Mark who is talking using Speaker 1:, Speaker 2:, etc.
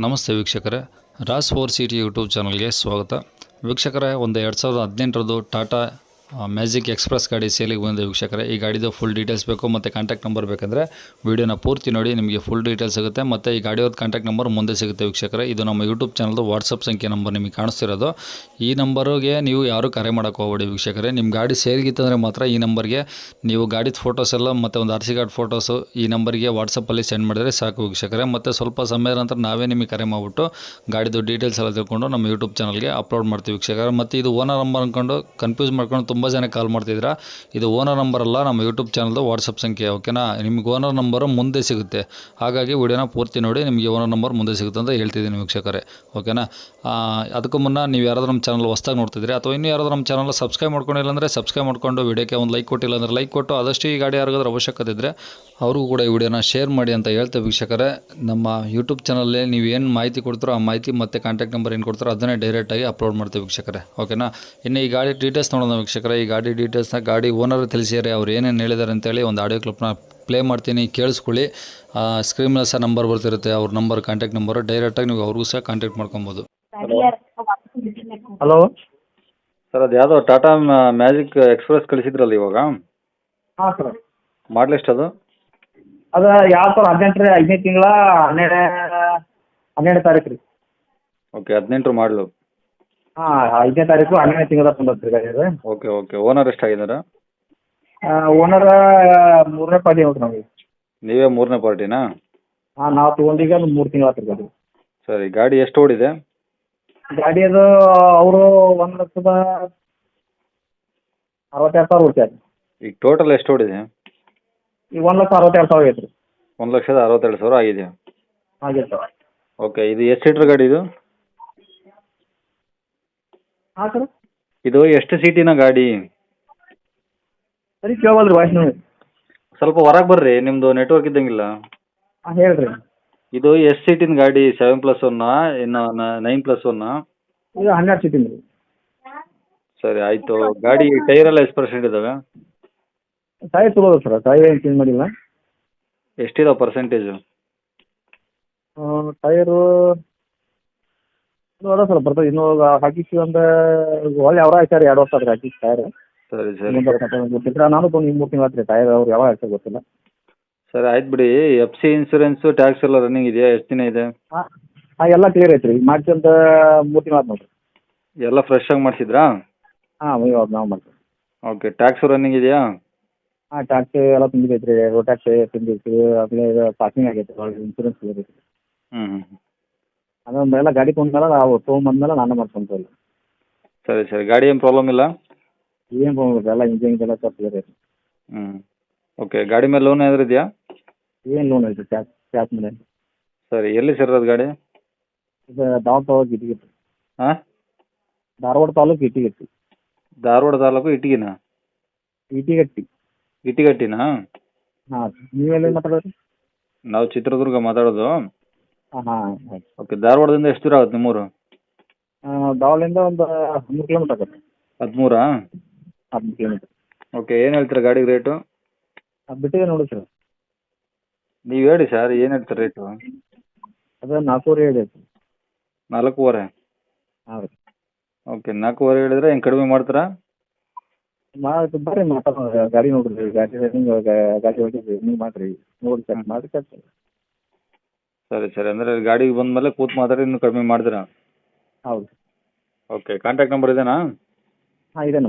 Speaker 1: ನಮಸ್ತೆ ವೀಕ್ಷಕರೇ, Raas four city YouTube ಚಾನಲ್ಗೆ ಸ್ವಾಗತ. ವೀಕ್ಷಕರೇ, ಒಂದು 2018 ಟಾಟಾ ಮ್ಯಾಜಿಕ್ ಎಕ್ಸ್ಪ್ರೆಸ್ ಗಾಡಿ ಸೇಲಿಗೆ ಬಂದಿದೆ ವೀಕ್ಷಕರೇ. ಈ ಗಾಡಿದು ಫುಲ್ ಡೀಟೇಲ್ಸ್ ಬೇಕು ಮತ್ತು ಕಾಂಟ್ಯಾಕ್ಟ್ ನಂಬರ್ ಬೇಕಂದರೆ ವೀಡಿಯೋನ ಪೂರ್ತಿ ನೋಡಿ, ನಿಮಗೆ ಫುಲ್ ಡೀಟೇಲ್ಸ್ ಸಿಗುತ್ತೆ. ಮತ್ತು ಈ ಗಾಡಿಯವ್ರದ್ದು ಕಾಂಟ್ಯಾಕ್ಟ್ ನಂಬರ್ ಮುಂದೆ ಸಿಗುತ್ತೆ ವೀಕ್ಷಕರೇ. ಇದು ನಮ್ಮ ಯೂಟ್ಯೂಬ್ ಚಾನಲ್ದು ವಾಟ್ಸಪ್ ಸಂಖ್ಯೆ ನಂಬರ್ ನಿಮಗೆ ಕಾಣಿಸ್ತಿರೋದು. ಈ ನಂಬರ್ಗೆ ನೀವು ಯಾರೂ ಕರೆ ಮಾಡೋಕ್ಕೆ ಹೋಗಬೇಡಿ ವೀಕ್ಷಕರೇ. ನಿಮ್ಮ ಗಾಡಿ ಸೇಲ್ಗಿತ್ತಂದರೆ ಮಾತ್ರ ಈ ನಂಬರ್ಗೆ ನೀವು ಗಾಡಿದ ಫೋಟೋಸ್ ಎಲ್ಲ ಮತ್ತು ಒಂದು RC ಕಾರ್ಡ್ ಫೋಟೋಸು ಈ ನಂಬರ್ಗೆ ವಾಟ್ಸಪ್ಪಲ್ಲಿ ಸೆಂಡ್ ಮಾಡಿದರೆ ಸಾಕು ವೀಕ್ಷಕರೇ. ಮತ್ತು ಸ್ವಲ್ಪ ಸಮಯದ ನಂತರ ನಾವೇ ನಿಮಗೆ ಕರೆ ಮಾಡಿಬಿಟ್ಟು ಗಾಡಿದು ಡೀಟೇಲ್ಸ್ ಎಲ್ಲ ತಿಳ್ಕೊಂಡು ನಮ್ಮ ಯೂಟ್ಯೂಬ್ ಚಾನಲ್ಗೆ ಅಪ್ಲೋಡ್ ಮಾಡ್ತೀವಿ ವೀಕ್ಷಕರೇ. ಮತ್ತು ಇದು ಓನರ್ ನಂಬರ್ ಅಂದ್ಕೊಂಡು ಕನ್ಫ್ಯೂಸ್ ಮಾಡ್ಕೊಂಡು ತುಂಬ ಜನ ಕಾಲ್ ಮಾಡ್ತಿದ್ದೀರಾ. ಇದು ಓನರ್ ನಂಬರ್ ಅಲ್ಲ, ನಮ್ಮ ಯೂಟ್ಯೂಬ್ ಚಾನಲ್ದು ವಾಟ್ಸಪ್ ಸಂಖ್ಯೆ, ಓಕೆನಾ. ನಿಮಗೆ ಓನರ್ ನಂಬರು ಮುಂದೆ ಸಿಗುತ್ತೆ, ಹಾಗಾಗಿ ವಿಡಿಯೋನ ಪೂರ್ತಿ ನೋಡಿ, ನಿಮಗೆ ಓನರ್ ನಂಬರ್ ಮುಂದೆ ಸಿಗುತ್ತೆ ಅಂತ ಹೇಳ್ತಿದ್ದೀನಿ ವೀಕ್ಷಕರೇ, ಓಕೆನಾ. ಅದಕ್ಕೂ ಮುನ್ನ ನೀವು ಯಾರಾದರೂ ನಮ್ಮ ಚಾನಲ್ ಹೊಸ್ದಾಗಿ ನೋಡ್ತಿದ್ದೀರಿ ಅಥವಾ ಇನ್ನೂ ಯಾರಾದರೂ ನಮ್ಮ ಚಾನಲ್ ಸಬ್ಸ್ಕ್ರೈಬ್ ಮಾಡ್ಕೊಂಡಿಲ್ಲ ಅಂದರೆ ಸಬ್ಸ್ಕ್ರೈಬ್ ಮಾಡ್ಕೊಂಡು ವಿಡಿಯೋಕ್ಕೆ ಒಂದು ಲೈಕ್ ಕೊಟ್ಟಿಲ್ಲ ಅಂದರೆ ಲೈಕ್ ಕೊಟ್ಟು ಆದಷ್ಟು ಈ ಗಾಡಿ ಯಾರಿಗಾದ್ರೂ ಅವಶ್ಯಕತೆ ಇದ್ದರೆ ಅವ್ರಿಗೂ ಕೂಡ ಈ ವಿಡಿಯೋನ ಶೇರ್ ಮಾಡಿ ಅಂತ ಹೇಳ್ತೇವೆ ವೀಕ್ಷಕರೇ. ನಮ್ಮ ಯೂಟ್ಯೂಬ್ ಚಾನಲಲ್ಲಿ ನೀವು ಏನು ಮಾಹಿತಿ ಕೊಡ್ತಾರೋ ಆ ಮಾಹಿತಿ ಮತ್ತು ಕಾಂಟ್ಯಾಕ್ಟ್ ನಂಬರ್ ಏನು ಕೊಡ್ತಾರೋ ಅದನ್ನೇ ಡೈರೆಕ್ಟಾಗಿ ಅಪ್ಲೋಡ್ ಮಾಡ್ತೀವಿ ವೀಕ್ಷಕರೇ, ಓಕೆನಾ. ಇನ್ನು ಈ ಗಾಡಿ ಡೀಟೇಲ್ಸ್ ನೋಡೋಣ ವೀಕ್ಷಕರೇ. ಈ ಗಾಡಿ ಡೀಟೇಲ್ಸ್ನ ಗಾಡಿ ಓನರ್ ತಿಳಿಸಿದ್ದಾರೆ, ಅವ್ರು ಏನೇನು ಹೇಳಿದ್ದಾರೆ ಅಂತೇಳಿ ಒಂದು ಆಡಿಯೋ ಕ್ಲಿಪ್ನ ಪ್ಲೇ ಮಾಡ್ತೀನಿ, ಕೇಳಿಸ್ಕೊಳ್ಳಿ. ಸ್ಕ್ರೀನ್ ಮೇಲೆ ಸಹ ನಂಬರ್ ಬರ್ತಿರುತ್ತೆ, ಅವ್ರ ನಂಬರ್, ಕಾಂಟ್ಯಾಕ್ಟ್ ನಂಬರು. ಡೈರೆಕ್ಟಾಗಿ ನೀವು ಅವ್ರಿಗೂ ಸಹ ಕಾಂಟ್ಯಾಕ್ಟ್ ಮಾಡ್ಕೊಬೋದು.
Speaker 2: ಹಲೋ
Speaker 1: ಸರ್, ಅದು ಯಾವುದೋ ಟಾಟಾ ಮ್ಯಾಜಿಕ್ ಎಕ್ಸ್ಪ್ರೆಸ್ ಕಳಿಸಿದ್ರಲ್ಲ ಇವಾಗ,
Speaker 2: ಹಾಂ ಸರ್.
Speaker 1: ಮಾಡಲ್ ಎಷ್ಟು ಅದು?
Speaker 2: ಅದು 2018 ರೀ, 5ನೇ ತಿಂಗಳ 12 ತಾರೀಕು ರೀ.
Speaker 1: ಓಕೆ, 18 ಮಾಡಲು.
Speaker 2: ಹಾಂ, 5ನೇ ತಾರೀಕು 12ನೇ ತಿಂಗಳ ತಂದದ್ದು ರೀ ಗಾಡಿ ಅದು.
Speaker 1: Okay okay. ಓನರ್ ಎಷ್ಟಾಗಿದ್ದಾರೆ?
Speaker 2: ಓನರ 3ನೇ ಪಾರ್ಟಿ ನೋಡ್ರಿ ನಮಗೆ.
Speaker 1: ನೀವೇ 3ನೇ ಪಾರ್ಟಿನಾ?
Speaker 2: ಹಾಂ, ನಾವು ತೊಗೊಂಡೀಗ ಒಂದು 3 ತಿಂಗಳು ಆತ್ರಿ ಗಾಡಿ.
Speaker 1: ಸರಿ, ಗಾಡಿ ಎಷ್ಟು ಓಡಿದೆ?
Speaker 2: ಗಾಡಿ ಅದು ಅವರು 1,62,000 ಓಡ್ತಾರೆ.
Speaker 1: ಈಗ ಟೋಟಲ್ ಎಷ್ಟು ಓಡಿದೆ?
Speaker 2: ಈಗ 1,62,000 ಐತ್ರಿ.
Speaker 1: 1,62,000 ಆಗಿದೆ.
Speaker 2: ಹಾಗೆ ಸರ್.
Speaker 1: ಓಕೆ, ಇದು ಎಷ್ಟು ಸೀಟ್ರ್ ಗಾಡಿ ಇದು?
Speaker 2: ಹಾಂ ಸರ್.
Speaker 1: ಇದು ಎಷ್ಟು ಸೀಟಿನ ಗಾಡಿ?
Speaker 2: ಸರಿ ಕೇಳವಲ್ರಿ ವಾಯ್ಸ್ ನೀವು.
Speaker 1: ಸ್ವಲ್ಪ ಹೊರಗೆ ಬರ್ರಿ, ನಿಮ್ಮದು ನೆಟ್ವರ್ಕ್ ಇದ್ದಂಗಿಲ್ಲ.
Speaker 2: ಹಾಂ ಹೇಳ್ರಿ.
Speaker 1: ಇದು ಎಷ್ಟು ಸೀಟಿನ ಗಾಡಿ? 7+1 ಇನ್ನು 9+1?
Speaker 2: ಇದು 12 ಸೀಟಿಂದ ರೀ.
Speaker 1: ಸರಿ ಆಯಿತು. ಗಾಡಿ ಟೈರ್ ಎಲ್ಲ ಎಷ್ಟು ಪರ್ಸೆಂಟ್ ಇದ್ದಾವೆ?
Speaker 2: ಟೈರ್ ತೊಗೊಳೋದು ಸರ್, ಟೈರ್ ಏನು ಚೇಂಜ್ ಮಾಡಿಲ್ಲ.
Speaker 1: ಎಷ್ಟಿದಾವೆ ಪರ್ಸೆಂಟೇಜು?
Speaker 2: ಟೈರು ಅದ ಸರ್, ಬರ್ತದೆ. ಇನ್ನೂ ಹಾಕಿಸಿ ಒಂದು ಒಳ್ಳೆ ಅವರ ಹಾಕ್ಯಾರ, 2 ವರ್ಷ ಆದ್ರೆ ಹಾಕಿಸಿ ಟೈರ್.
Speaker 1: ಸರಿ ಸರಿ
Speaker 2: ಗೊತ್ತಿಲ್ಲ, ನಾನು ತೊಗೊಂಡು 3 ತಿಂಗಳು ಆತ್ರಿ. ಟೈರ್ ಅವ್ರು ಯಾವಾಗ ಹಾಕ್ತಾರೆ ಗೊತ್ತಿಲ್ಲ.
Speaker 1: ಸರಿ ಆಯ್ತು ಬಿಡಿ. FC ಇನ್ಸೂರೆನ್ಸು, ಟ್ಯಾಕ್ಸ್ ಎಲ್ಲ ರನ್ನಿಂಗ್ ಇದೆಯಾ? ಎಷ್ಟು ದಿನ ಇದೆ?
Speaker 2: ಹಾಂ ಹಾಂ, ಎಲ್ಲ ಕ್ಲಿಯರ್ ಐತ್ರಿ. ಈಗ ಮಾಡ್ಕೊಂತ 3 ತಿಂಗಳು ಆತು ನೋಡಿರಿ.
Speaker 1: ಎಲ್ಲ ಫ್ರೆಶ್ ಆಗಿ ಮಾಡಿಸಿದ್ರಾ?
Speaker 2: ಹಾಂ, ಇವಾಗ ನಾವು ಮಾಡ್ತೀವಿ.
Speaker 1: ಓಕೆ, ಟ್ಯಾಕ್ಸು ರನ್ನಿಂಗ್ ಇದೆಯಾ?
Speaker 2: ಹಾಂ, ಟ್ಯಾಕ್ಸ್ ಎಲ್ಲ ತುಂಬಿದೈತೆ ರೀ. ರೋಡ್ ಟ್ಯಾಕ್ಸ್ ತುಂಬಿದೈತಿ, ಆಮೇಲೆ ಇದು ಪಾರ್ಕಿಂಗ್ ಆಗೈತೆ, ಇನ್ಸೂರೆನ್ಸ್ ಕ್ಲಿಯರ್ ಐತಿ.
Speaker 1: ಹ್ಞೂ.
Speaker 2: ಅದೊಂದು ಎಲ್ಲ ಗಾಡಿ ತೊಗೊಂಡ್ಮೇಲೆ ನಾವು ತೊಗೊಂಬಂದ್ಮೇಲೆ ನಾನು ಮಾಡ್ಕೊಂತೀವಿ.
Speaker 1: ಸರಿ ಸರಿ. ಗಾಡಿ ಏನು ಪ್ರಾಬ್ಲಮ್ ಇಲ್ಲ?
Speaker 2: ಏನು ತೊಗೊಂಡ್ರಿ ಎಲ್ಲ ಇಂಜಿನ್ ಎಲ್ಲ ಸ್ವಲ್ಪ ಕ್ಲಿಯರ್ ಐತಿ.
Speaker 1: ಹ್ಞೂ. ಓಕೆ, ಗಾಡಿ ಮೇಲೆ ಲೋನ್ ಏನಾದ್ರು ಇದೆಯಾ?
Speaker 2: ಏನು ಲೋನ್ ಐತಿ? ಟ್ಯಾಕ್ಸ್ ಮೇಲೆ.
Speaker 1: ಸರಿ, ಎಲ್ಲಿ ಸೇರೋದು ಗಾಡಿ?
Speaker 2: ಇದು ಧಾರವಾಡ ತಾಲೂಕು ಇಟ್ಟಿಗೆ.
Speaker 1: ಹಾಂ,
Speaker 2: ಧಾರವಾಡ ತಾಲೂಕು ಇಟ್ಟಿಗೆ.
Speaker 1: ಧಾರವಾಡ ತಾಲೂಕು ಇಟಗಿನಾ?
Speaker 2: ಇಟಿಗಟ್ಟಿ.
Speaker 1: ಇಟಿಗಟ್ಟಿನಾ?
Speaker 2: ಹಾಂ, ನೀವೆಲ್ಲಿ ಮಾತಾಡೋದು?
Speaker 1: ನಾವು ಚಿತ್ರದುರ್ಗ ಮಾತಾಡೋದು.
Speaker 2: ಹಾಂ ಹಾಂ ಆಯ್ತು.
Speaker 1: ಓಕೆ, ಧಾರವಾಡದಿಂದ ಎಷ್ಟು ದೂರ ಆಗುತ್ತೆ ನಿಮ್ಮೂರು?
Speaker 2: ಧಾರವಾಡದಿಂದ ಒಂದು 13 ಕಿಲೋಮೀಟ್ರ್ ಆಗುತ್ತೆ.
Speaker 1: 13?
Speaker 2: 13 ಕಿಲೋಮೀಟ್ರ್.
Speaker 1: ಓಕೆ, ಏನು ಹೇಳ್ತೀರಾ ಗಾಡಿಗೆ ರೇಟು?
Speaker 2: ಅದು ಬಿಟ್ಟಿದೆ ನೋಡಿ ಸರ್.
Speaker 1: ನೀವು ಹೇಳಿ ಸರ್, ಏನು ಹೇಳ್ತೀರಾ ರೇಟು?
Speaker 2: ಅದು 4.5 ಐತಿ.
Speaker 1: 4.5?
Speaker 2: ಹಾಂ ರೀ.
Speaker 1: ಓಕೆ, 4.5 ಹೇಳಿದ್ರೆ ಹೆಂಗೆ ಕಡಿಮೆ ಮಾಡ್ತೀರಾ?
Speaker 2: ಬರ್ರಿ ಮಾತಾಡೋಣ. ಗಾಡಿ ನೋಡ್ರಿ, ಗಾಡಿ ಗಾಡಿ ಹೋಗಿದ್ರಿ, ನೀವು ಮಾಡಿರಿ, ನೋಡಿ ಚೆಕ್ ಮಾಡಿ ಕಟ್ಟಿ.
Speaker 1: ಸರಿ ಸರಿ. ಅಂದರೆ ಗಾಡಿಗೆ ಬಂದಮೇಲೆ ಕೂತು ಮಾತಾಡಿ ಇನ್ನೂ ಕಡಿಮೆ ಮಾಡ್ತೀರಾ?
Speaker 2: ಹೌದು.
Speaker 1: ಓಕೆ, ಕಾಂಟ್ಯಾಕ್ಟ್ ನಂಬರ್ ಇದೆನಾ?
Speaker 2: ಹಾಂ, ಇದೆ.